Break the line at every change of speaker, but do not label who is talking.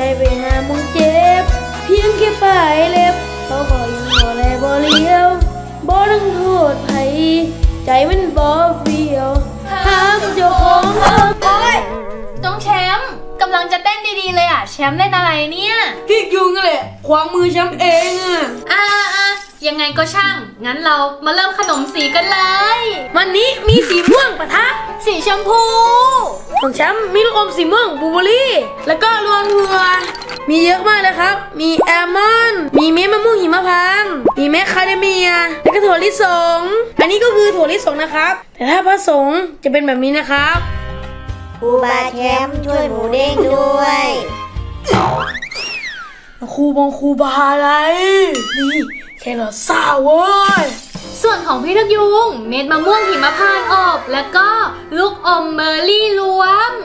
ไปหามึงเจ็บเพียงแค่ปลายเล็บเขาก็ยังบ่แลบ่เลี้ยวบ่ต้องโทษไผใจมันบ่เฟียวหากเจ้าของ
โอ๊ยน้องแชมป์กำลังจะเต้นดีๆเลยอ่ะแชมป์เล่นอะไรเนี่ย
พี่ยุงนั่นแหละขวางมือแชมป์เองอ่ะ
ยังไงก็ช่างงั้นเรามาเริ่มขนมสีกันเลย
วันนี้มีสีม่วงปะทะ
สีชมพู
ของแชมป์มีลูกอมสีม่วงบลูเบอร์รี่แล้วก็รวมถั่วมีเยอะมากเลยครับมีแอลมอนด์มีเม็ดมะม่วงหิมพานต์มีเม็ดคาเดเมียแล้วก็ถั่วลิสงอันนี้ก็คือถั่วลิสงนะครับแต่ถ้าผสมจะเป็นแบบนี้นะครับ
ครูบาแชมป์ช่วยหมูเด้งด้วย
ครูบาอะไรนี่แครอทซ่าเว้ย
ส่วนของพี่ทักยุงเม็ดมะม่วงหิมพานต์อบแล้วก็ลูกอมเมอร์รี่รวม